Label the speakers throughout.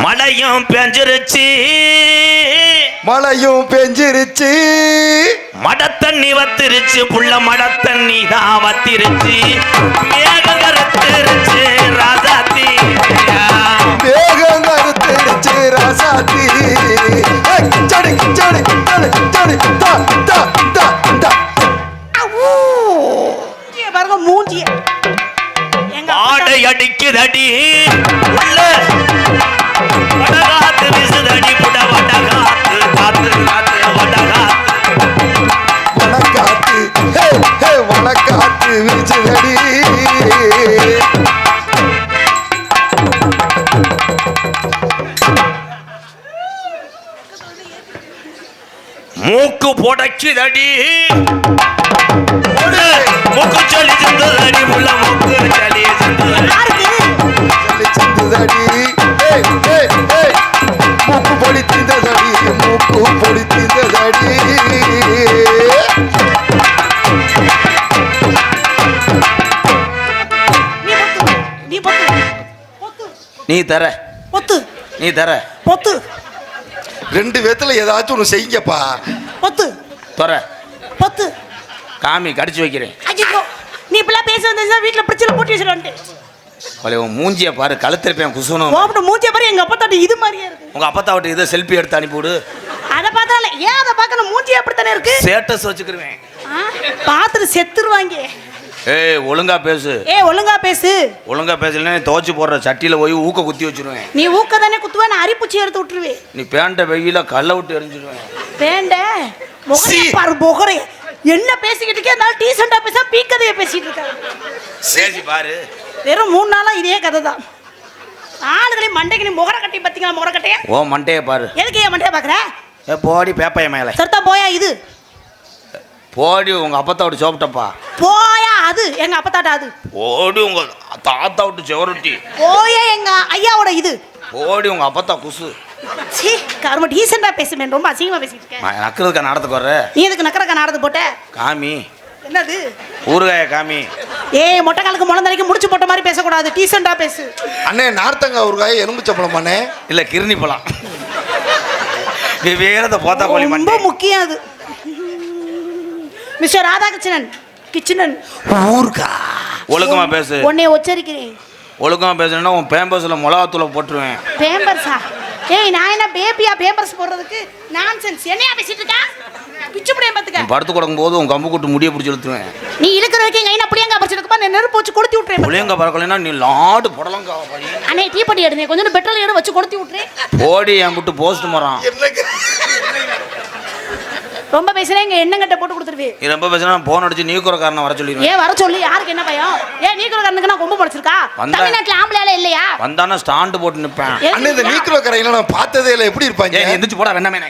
Speaker 1: மழையும் பெஞ்சிருச்சு மட தண்ணி வத்திருச்சு புள்ள மட தண்ணி தான் வத்திருச்சு மேகம் கருத்திருச்சு ராசாத்தி
Speaker 2: பாருங்க மூஞ்சிய
Speaker 1: ஆடை அடிக்குதடி உள்ள வடகாத்து விசுதடி புட வடகாத்து காத்து காத்து
Speaker 3: வடகாத்து வீசுதடி
Speaker 1: மூக்கு புடைக்குதடி மூக்கு சொல்லி சென்றதடி உள்ள மூக்கு சொல்லி சென்றதடி
Speaker 3: மூக்கு பொடித்ததடி
Speaker 1: நீ தர
Speaker 2: பொத்து
Speaker 1: நீ தர
Speaker 2: பொத்து
Speaker 3: ரெண்டு பேத்துல ஏதாச்சும் ஒன்று செய்யுங்கப்பா.
Speaker 2: பொத்து
Speaker 1: தர
Speaker 2: பொத்து
Speaker 1: காமி கடிச்சு வைக்கிறேன்.
Speaker 2: ஐயோ நீ இப்பெல்லாம் பேச வந்தா வீட்ல பிரச்சனை போட்டு வச்சிருவான்ட்டு.
Speaker 1: உன் மூஞ்சிய பாரு கழுத்திருப்பேன் குசுனும்.
Speaker 2: ஓப்பட மூஞ்சிய பாரு எங்க அப்பா தாட்டி இது மாதிரியே இருக்கு.
Speaker 1: உங்க அப்பா தாவட்டு இதை செல்ஃபி எடுத்து அனுப்பிவிடு.
Speaker 2: அத பார்த்தால ஏன் அத பார்க்கணும் மூஞ்சி அப்படித்தானே இருக்கு.
Speaker 1: ஸ்டேட்டஸ் வச்சுக்கிருவேன்.
Speaker 2: பாத்துட்டு செத்துருவாங்க.
Speaker 1: ஏய் ஒழுங்கா பேசு.
Speaker 2: ஒழுங்கா பேசு.
Speaker 1: ஒழுங்கா பேசலன்னா துவச்சு போடுற சட்டியில போய் ஊக்க குத்தி வச்சிருவேன்.
Speaker 2: நீ ஊக்க தானே குத்துவ நான் அரிப்புச்சி எடுத்து விட்டுருவேன்.
Speaker 1: நீ பேண்ட வெயில கல்ல விட்டு எரிஞ்சிருவேன்.
Speaker 2: பேண்ட முகரே பாரு முகரே என்ன பேசிக்கிட்டு இருக்கே அந்த டீசெண்டா பேச பீக்கதைய பேசிட்டு இருக்காரு.
Speaker 1: சேசி பாரு
Speaker 2: வெறும் 3 நாளா இதே கதை தான். ஆளுகளே மண்டைக்கு நீ முகர கட்டி பாத்தீங்களா முகர கட்டைய?
Speaker 1: ஓ மண்டைய பாரு.
Speaker 2: எதுக்கு ஏன் மண்டைய பாக்குற?
Speaker 1: ஏ போடி பேப்பைய மேல.
Speaker 2: சர்த்தா போயா இது.
Speaker 1: போடி உங்க அப்பத்தாவோட சோப்டப்பா.
Speaker 2: போயா அது எங்க அப்பத்தாட்ட அது.
Speaker 1: போடி உங்க தாத்தாவோட செவரொட்டி.
Speaker 2: போயா எங்க ஐயாவோட இது.
Speaker 1: போடி உங்க அப்பத்தா குசு.
Speaker 2: சீ கர்ம டீசெண்டா பேசுமே ரொம்ப அசிங்கமா பேசிட்டு இருக்க.
Speaker 1: நான் நக்கறதுக்கு நாடத்துக்கு வர.
Speaker 2: நீ எதுக்கு நக்கறதுக்கு நாடத்து போட்ட?
Speaker 1: காமி.
Speaker 2: என்னது?
Speaker 1: ஊறுகாய காமி.
Speaker 2: ஏய் மொட்டை காலுக்கு முளந்தரைக்கு முடிச்சு போட்ட மாதிரி பேசக்கூடாது. டீசெண்டா பேசு.
Speaker 3: அண்ணே நார்த்தங்க ஊறுகாய் எலும்பு சப்பளம் அண்ணே.
Speaker 1: இல்ல கிருணி பழம். வேறத போத்தா கோழி மண்டை.
Speaker 2: ரொம்ப முக்கியம் அது. மிஸ்டர் ராதாகிருஷ்ணன் கிச்சனன்
Speaker 1: ஊர்கா ஒழுக்கமா பேசு.
Speaker 2: உன்னை உச்சரிக்கிறேன்.
Speaker 1: ஒழுக்கமா பேசுனா உன் பேம்பர்ஸ்ல மிளகாத்தூளை போட்டுருவேன்.
Speaker 2: பேம்பர்ஸா? ஏய் நான் என்ன பேபியா பேம்பர்ஸ் போடுறதுக்கு? நான்சென்ஸ். என்னையா பேசிட்டு இருக்க? பிச்சு புடியே பாத்துக்க.
Speaker 1: படுத்து கிடக்கும் போது உன் கம்பு கூட்டு முடிய பிடிச்சி இழுத்துருவேன்.
Speaker 2: நீ இழுக்கிற வரைக்கும் கையில புளியங்கா பறிச்சிருக்கப்பா நான் நெருப்பு வச்சு கொளுத்தி விட்டுறேன்.
Speaker 1: புளியங்கா பறக்கலைன்னா நீ லாடு புடலங்கா பறி.
Speaker 2: அண்ணே டீ பட்டி எடுங்க கொஞ்சம் பெட்ரோல் எடு வச்சு கொளுத்தி விட்டுறேன்.
Speaker 1: போடி என் விட்டு போஸ்ட் மரம்.
Speaker 2: ரொம்ப பேசுறேன் இங்க எண்ணெய் போட்டு கொடுத்துருவே.
Speaker 1: நீ ரொம்ப பேசினா போன் அடிச்சு நீக்குறக்காரனை வர சொல்லிடுவேன்.
Speaker 2: ஏன் வர சொல்லி யாருக்கு என்ன பயம்? ஏன் நீக்குறக்காரனுக்கு நான் கொம்பு படைச்சிருக்கா? தமிழ்நாட்டுல ஆம்பளையால இல்லையா?
Speaker 1: வந்தானா ஸ்டாண்ட் போட்டு நிப்பேன்.
Speaker 3: அண்ணே இந்த நீக்குறக்காரங்க நான் பார்த்ததே இல்ல எப்படி இருப்பாங்க?
Speaker 1: ஏய் எந்திரச்சு போடா வெண்ணமேனே.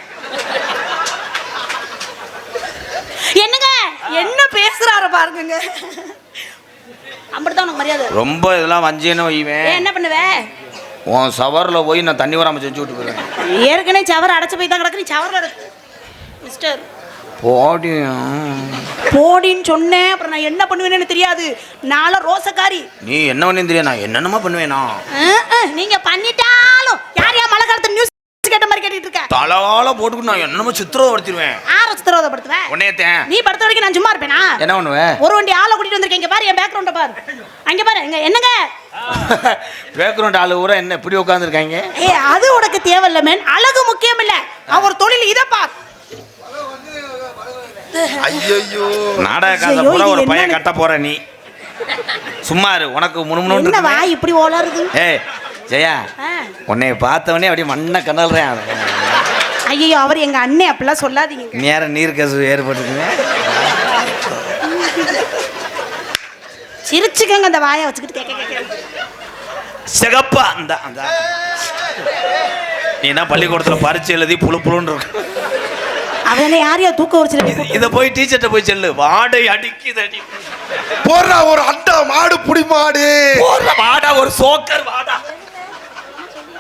Speaker 2: என்னங்க என்ன பேசுறாரு பாருங்க. அப்படிதான் உனக்கு மரியாதை.
Speaker 1: ரொம்ப இதெல்லாம் வஞ்சேன்னு வைவேன்.
Speaker 2: என்ன பண்ணுவே?
Speaker 1: உன் சவர்ல போய் நான் தண்ணி வராம செஞ்சு விட்டு போயிடுவேன்.
Speaker 2: ஏற்கனவே சவர் அடைச்சு போய் தான் கிடக்கு. நீ சவர்ல இருக்கு மிஸ்டர்.
Speaker 1: போடி
Speaker 2: போடின்னு சொன்னேன். அப்புறம் நான் என்ன பண்ணுவேன்னு தெரியாது. நாள ரோசக்காரி.
Speaker 1: நீ என்ன பண்ணேன்னு தெரியாது. நான் என்னென்னமா பண்ணுவேனா?
Speaker 2: நீங்க பண்ணிட்டாலும் யார் யா மழை காலத்து நியூஸ் கேட்ட மாதிரி கேட்டுட்டு இருக்க?
Speaker 1: தலவால போட்டுட்டு நான் என்னமோ சித்திரவதைப்படுத்துவேன்.
Speaker 2: ஆற சித்திரவதைப்படுத்துவேன்?
Speaker 1: உன்னையத்தேன்.
Speaker 2: நீ படுத்த வரைக்கும் நான் சும்மா இருப்பேனா?
Speaker 1: என்ன பண்ணுவே?
Speaker 2: ஒரு வண்டி ஆளை கூட்டிட்டு வந்திருக்கேன். இங்க பாரு என் பேக்ரவுண்ட பாரு. அங்க பாரு இங்க என்னங்க
Speaker 1: பேக்ரவுண்ட் ஆளு ஊரா என்ன இப்படி உட்கார்ந்துருக்காங்க?
Speaker 2: ஏய் அது உனக்கு தேவையில்ல மேன். அழகு முக்கியம் இல்ல. அவர் தொழில் இத பார்.
Speaker 3: ஐயோ
Speaker 1: நாடக காசை பூரா ஒரு பையன் கட்ட போற நீ சும்மா இரு. உனக்கு முணுமுணுன்னு
Speaker 2: என்ன வாய் இப்படி ஓலறுது?
Speaker 1: ஏய் ஜெயா உன்னை பார்த்தவனே அப்படியே மண்ணை கண்ணல்றேன்.
Speaker 2: ஐயோ அவர் எங்க அண்ணே அப்படிலாம் சொல்லாதீங்க.
Speaker 1: நேரம் நீர் கசு ஏற்பட்டுக்குங்க.
Speaker 2: சிரிச்சுக்கங்க அந்த வாயை வச்சுக்கிட்டு கேட்க
Speaker 1: சிகப்பா அந்த அந்த நீ என்ன பள்ளிக்கூடத்துல பரிச்சு எழுதி புழு புழுன்னு இருக்கு.
Speaker 2: அவனை யாரையா தூக்க வச்சு
Speaker 1: இத போய் டீச்சர்ட்ட போய் சொல்லு. வாடை அடிக்குது அடி
Speaker 3: போறா ஒரு அண்டா மாடு புடி மாடு
Speaker 1: போற வாடா ஒரு சோக்கர் வாடா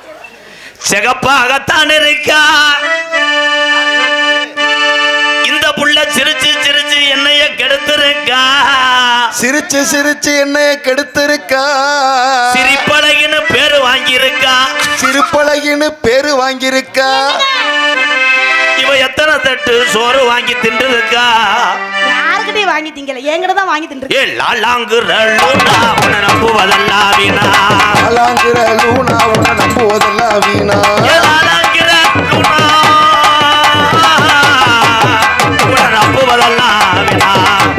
Speaker 1: சிகப்பாகத்தான் இருக்கா இந்த புள்ள சிரிச்சு சிரிச்சு என்னைய கெடுத்திருக்கா.
Speaker 3: சிரிச்சு சிரிச்சு என்னைய கெடுத்திருக்கா.
Speaker 1: சிரிப்பழகின்னு பேரு வாங்கியிருக்கா.
Speaker 3: சிரிப்பழகின்னு பேரு வாங்கியிருக்கா.
Speaker 1: இவ எத்தனை தட்டு சோறு வாங்கி தின்றுருக்கா.
Speaker 2: யாருக்கிட்டே வாங்கி திங்கல, என்கிட்ட தான் வாங்கி தின்று.
Speaker 1: ஏ லாலாங்குறலூனா உன்னை நம்புவதெல்லாம் வீணா.
Speaker 3: லாலாங்குறலூனா உன்னை நம்புவதெல்லாம் வீணா.
Speaker 1: ஏ லாலாங்குறலூனா உன்னை நம்புவதெல்லாம் வீணா.